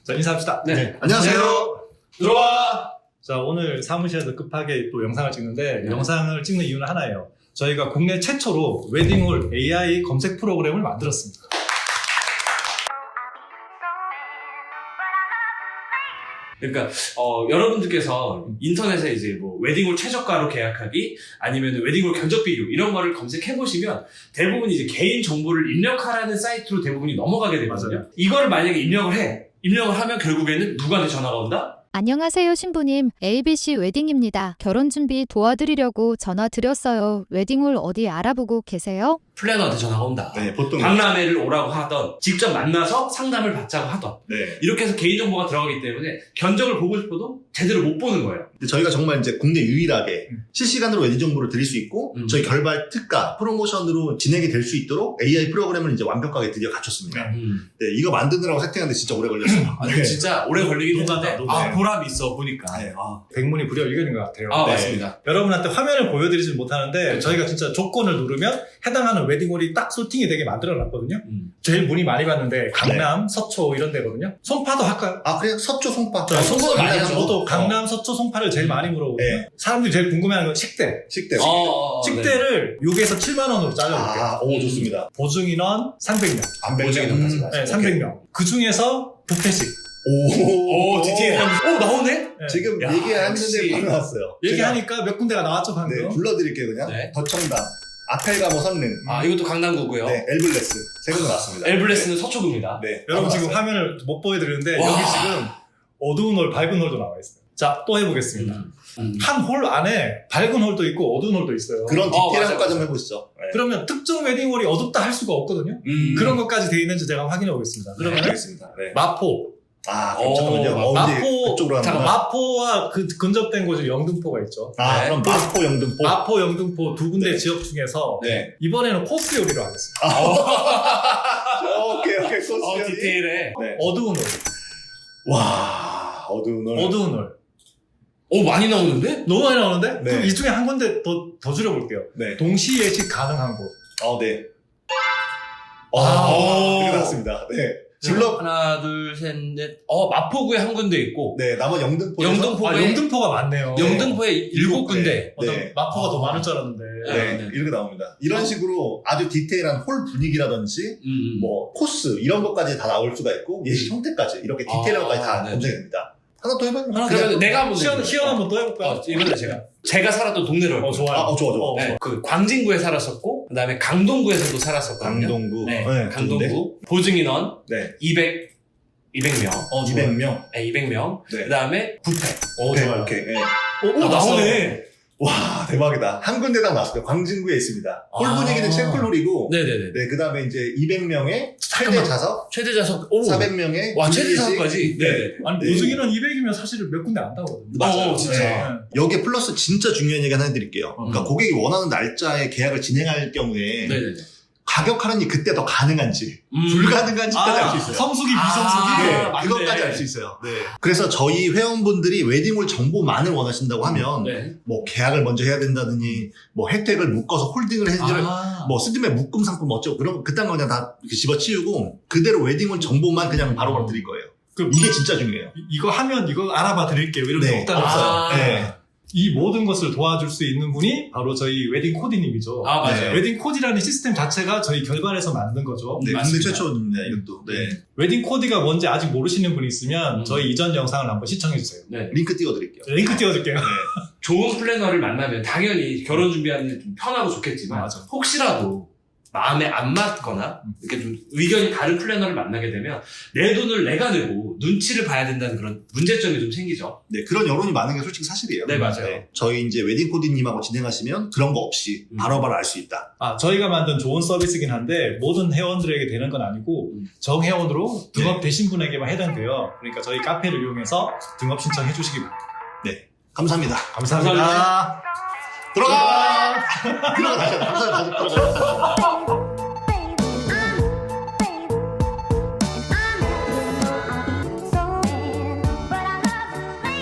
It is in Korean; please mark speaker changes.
Speaker 1: 자, 인사합시다.
Speaker 2: 네.
Speaker 3: 안녕하세요.
Speaker 1: 들어와! 자, 오늘 사무실에서 급하게 또 영상을 찍는데, 영상을 찍는 이유는 하나예요. 저희가 국내 최초로 웨딩홀 AI 검색 프로그램을 만들었습니다.
Speaker 2: 그러니까 여러분들께서 인터넷에 이제 뭐 웨딩홀 최저가로 계약하기 아니면 웨딩홀 견적 비교 이런 거를 검색해 보시면 대부분 이제 개인 정보를 입력하라는 사이트로 대부분이 넘어가게 되거든요.
Speaker 1: 맞아요.
Speaker 2: 이거를 만약에 입력을 하면 결국에는 누구한테 전화가 온다?
Speaker 4: 안녕하세요 신부님, ABC 웨딩입니다. 결혼 준비 도와드리려고 전화 드렸어요. 웨딩홀 어디 알아보고 계세요?
Speaker 2: 플래너한테 전화가 온다.
Speaker 3: 네, 보통.
Speaker 2: 박람회를 오라고 하던, 직접 만나서 상담을 받자고 하던,
Speaker 3: 네.
Speaker 2: 이렇게 해서 개인정보가 들어가기 때문에 견적을 보고 싶어도 제대로 못 보는 거예요.
Speaker 3: 근데 저희가 정말 이제 국내 유일하게 실시간으로 웨딩 정보를 드릴 수 있고, 저희 결발 특가, 프로모션으로 진행이 될 수 있도록 AI 프로그램을 이제 완벽하게 드디어 갖췄습니다. 네, 이거 만드느라고 세팅하는데 진짜 오래 걸렸어요.
Speaker 2: 네. 진짜 오래 걸리긴 했는데,
Speaker 1: 녹아요.
Speaker 2: 보람이 있어, 보니까.
Speaker 3: 네,
Speaker 1: 백문이 불여일견인 것 같아요.
Speaker 2: 아,
Speaker 1: 네.
Speaker 2: 맞습니다.
Speaker 1: 여러분한테 화면을 보여드리진 못하는데, 저희가 진짜 조건을 누르면 해당하는 웨딩홀이 딱 소팅이 되게 만들어놨거든요. 제일 문의 많이 받는데, 강남, 서초 이런 데거든요. 송파도 할까요?
Speaker 3: 아, 그래요? 서초 송파.
Speaker 1: 자, 송파
Speaker 2: 많이
Speaker 1: 많이
Speaker 2: 하죠.
Speaker 1: 저도 강남, 서초, 송파를 제일 많이 물어보거든요.
Speaker 3: 네.
Speaker 1: 사람들이 제일 궁금해하는 건 식대.
Speaker 3: 식대.
Speaker 2: 네.
Speaker 1: 식대를 6에서 7만원으로 잘라볼게요.
Speaker 3: 아, 오, 좋습니다.
Speaker 1: 보증인원 300명.
Speaker 3: 안
Speaker 2: 보증인원까지
Speaker 1: 네, 300명. 그 중에서 뷔페식.
Speaker 2: 오, 디테일한. 오, 나오네?
Speaker 1: 네.
Speaker 3: 지금
Speaker 2: 야,
Speaker 3: 얘기하는데
Speaker 2: 역시.
Speaker 3: 바로 나왔어요.
Speaker 1: 얘기하니까 몇 군데가 나왔죠,
Speaker 3: 제가,
Speaker 1: 방금.
Speaker 3: 네, 불러드릴게요, 그냥.
Speaker 2: 네.
Speaker 3: 더청담, 아펠가모 선릉,
Speaker 2: 아, 이것도 강남구고요.
Speaker 3: 네, 엘블레스. 세 군데 나왔습니다.
Speaker 2: 엘블레스는 서초구입니다.
Speaker 3: 네.
Speaker 1: 여러분
Speaker 3: 바로
Speaker 1: 지금
Speaker 3: 나왔어요.
Speaker 1: 화면을 못 보여드리는데,
Speaker 2: 와.
Speaker 1: 여기 지금 어두운 홀, 밝은 홀도 나와 있어요. 자, 또 해보겠습니다. 한 홀 안에 밝은 홀도 있고 어두운 홀도 있어요.
Speaker 3: 그런 디테일한
Speaker 2: 맞아요,
Speaker 3: 것까지
Speaker 2: 맞아요.
Speaker 3: 한번 해보시죠. 네.
Speaker 1: 그러면 특정 웨딩홀이 어둡다 할 수가 없거든요. 그런 것까지 되어 있는지 제가 확인해 보겠습니다.
Speaker 3: 네,
Speaker 1: 그러면
Speaker 3: 알겠습니다. 네.
Speaker 1: 마포.
Speaker 3: 아, 그럼 잠깐만요. 이제
Speaker 1: 마포,
Speaker 3: 그쪽으로
Speaker 1: 잠깐,
Speaker 3: 하는
Speaker 1: 마포와 그 근접된 곳이 영등포가 있죠.
Speaker 3: 아,
Speaker 2: 네.
Speaker 3: 그럼 마포, 영등포.
Speaker 1: 마포, 영등포 두 군데
Speaker 3: 네.
Speaker 1: 지역 중에서
Speaker 3: 네.
Speaker 1: 이번에는 코스 요리로 하겠습니다.
Speaker 3: 오케이, 소스.
Speaker 2: 디테일해.
Speaker 3: 네.
Speaker 1: 어두운 홀.
Speaker 3: 와, 어두운 홀.
Speaker 1: 어두운 홀.
Speaker 2: 오, 많이 나오는데?
Speaker 1: 너무 많이 나오는데?
Speaker 3: 네.
Speaker 1: 그럼 이 중에 한 군데 더 줄여볼게요.
Speaker 3: 네.
Speaker 1: 동시 예식 가능한 곳.
Speaker 3: 네.
Speaker 2: 오.
Speaker 3: 이거 나왔습니다. 네.
Speaker 2: 지금
Speaker 3: 블럭,
Speaker 2: 하나, 둘, 셋, 넷. 마포구에 한 군데 있고,
Speaker 3: 네, 남은 영등포.
Speaker 2: 영등포.
Speaker 1: 영등포가 많네요.
Speaker 2: 영등포에 일곱
Speaker 3: 네.
Speaker 2: 군데.
Speaker 3: 네.
Speaker 1: 마포가 더 많을 줄 알았는데.
Speaker 3: 네,
Speaker 2: 네.
Speaker 3: 이렇게 나옵니다. 이런 식으로 아주 디테일한 홀 분위기라든지, 뭐, 코스, 이런 것까지 다 나올 수가 있고, 예식 형태까지, 이렇게 디테일한 것까지 다
Speaker 2: 네.
Speaker 3: 검색이 됩니다. 하나 더 해봐요.
Speaker 2: 그러면 내가 한번
Speaker 1: 시연 한번 또 해볼까요?
Speaker 2: 이번에 제가 살았던 동네로 할
Speaker 1: 좋아요.
Speaker 3: 좋아.
Speaker 2: 네, 그 광진구에 살았었고, 그 다음에 강동구에서도 살았었거든요.
Speaker 3: 강동구.
Speaker 2: 네,
Speaker 3: 네,
Speaker 2: 강동구. 보증인원
Speaker 3: 네.
Speaker 2: 200명.
Speaker 3: 200명.
Speaker 2: 네, 200명.
Speaker 3: 네.
Speaker 2: 그 다음에 뷔페.
Speaker 3: 오케이,
Speaker 1: 좋아요.
Speaker 3: 오케이. 네.
Speaker 2: 오, 나오네.
Speaker 3: 와, 대박이다. 한 군데당 나왔어요. 광진구에 있습니다. 홀
Speaker 2: 아.
Speaker 3: 분위기는 셰플홀이고,
Speaker 2: 네네네.
Speaker 3: 네, 그 다음에 이제 200명의 최대
Speaker 2: 잠깐만.
Speaker 3: 좌석,
Speaker 2: 최대 좌석, 오.
Speaker 3: 400명의
Speaker 2: 와, 최대 좌석까지. 네네.
Speaker 1: 아니,
Speaker 3: 네.
Speaker 1: 보증인원 200이면 사실 몇 군데 안 나오거든요.
Speaker 3: 맞아요.
Speaker 2: 진짜.
Speaker 3: 네. 여기에 플러스 진짜 중요한 얘기 하나 해드릴게요. 그러니까
Speaker 1: 음.
Speaker 3: 고객이 원하는 날짜에 계약을 진행할 경우에
Speaker 2: 네네네.
Speaker 3: 가격 할인이 그때 더 가능한지 불가능한지까지 알 수 있어요.
Speaker 1: 성수기, 비성수기.
Speaker 3: 네,
Speaker 2: 맞네.
Speaker 3: 그것까지 알 수 있어요. 네. 그래서 저희 회원분들이 웨딩홀 정보만을 원하신다고 하면
Speaker 2: 네.
Speaker 3: 뭐 계약을 먼저 해야 된다느니 뭐 혜택을 묶어서 홀딩을 해주는
Speaker 2: 아.
Speaker 3: 뭐 스드메 묶음 상품 어쩌고 그런 그딴 거 그냥 다 이렇게 집어치우고 그대로 웨딩홀 정보만 그냥 바로바로 드릴 거예요.
Speaker 1: 그,
Speaker 3: 이게 진짜 중요해요.
Speaker 1: 이거 하면 이거 알아봐 드릴게요. 이런 게
Speaker 3: 네.
Speaker 1: 없다는
Speaker 2: 아.
Speaker 1: 거죠.
Speaker 3: 네.
Speaker 1: 이 모든 것을 도와줄 수 있는 분이 바로 저희 웨딩 코디님이죠.
Speaker 2: 아, 맞아요.
Speaker 1: 웨딩 코디라는 시스템 자체가 저희 결발에서 만든 거죠.
Speaker 3: 네, 국내
Speaker 2: 맞습니다.
Speaker 3: 최초입니다, 이것도. 네.
Speaker 1: 웨딩 코디가 뭔지 아직 모르시는 분이 있으면
Speaker 2: 음.
Speaker 1: 저희 이전 영상을 한번 시청해주세요.
Speaker 2: 네.
Speaker 3: 링크 띄워드릴게요.
Speaker 1: 링크 띄워줄게요.
Speaker 2: 좋은 플래너를 만나면 당연히 결혼 준비하는 게 좀 편하고 좋겠지만,
Speaker 1: 맞아.
Speaker 2: 혹시라도 마음에 안 맞거나 이렇게 좀 의견이 다른 플래너를 만나게 되면 내 돈을 내가 내고 눈치를 봐야 된다는 그런 문제점이 좀 생기죠.
Speaker 3: 네, 그런 여론이 많은 게 솔직히 사실이에요.
Speaker 2: 네, 맞아요.
Speaker 3: 저희 이제 웨딩 코디님하고 진행하시면 그런 거 없이 바로바로 알 수 있다.
Speaker 1: 저희가 만든 좋은 서비스긴 한데 모든 회원들에게 되는 건 아니고 정회원으로 등업 되신 분에게만 해당돼요. 그러니까 저희 카페를 이용해서 등업 신청해 주시기 바랍니다.
Speaker 3: 네, 감사합니다.
Speaker 1: 감사합니다.
Speaker 3: 들어가! 들어가 다시 감사합니다. 다시 들어가.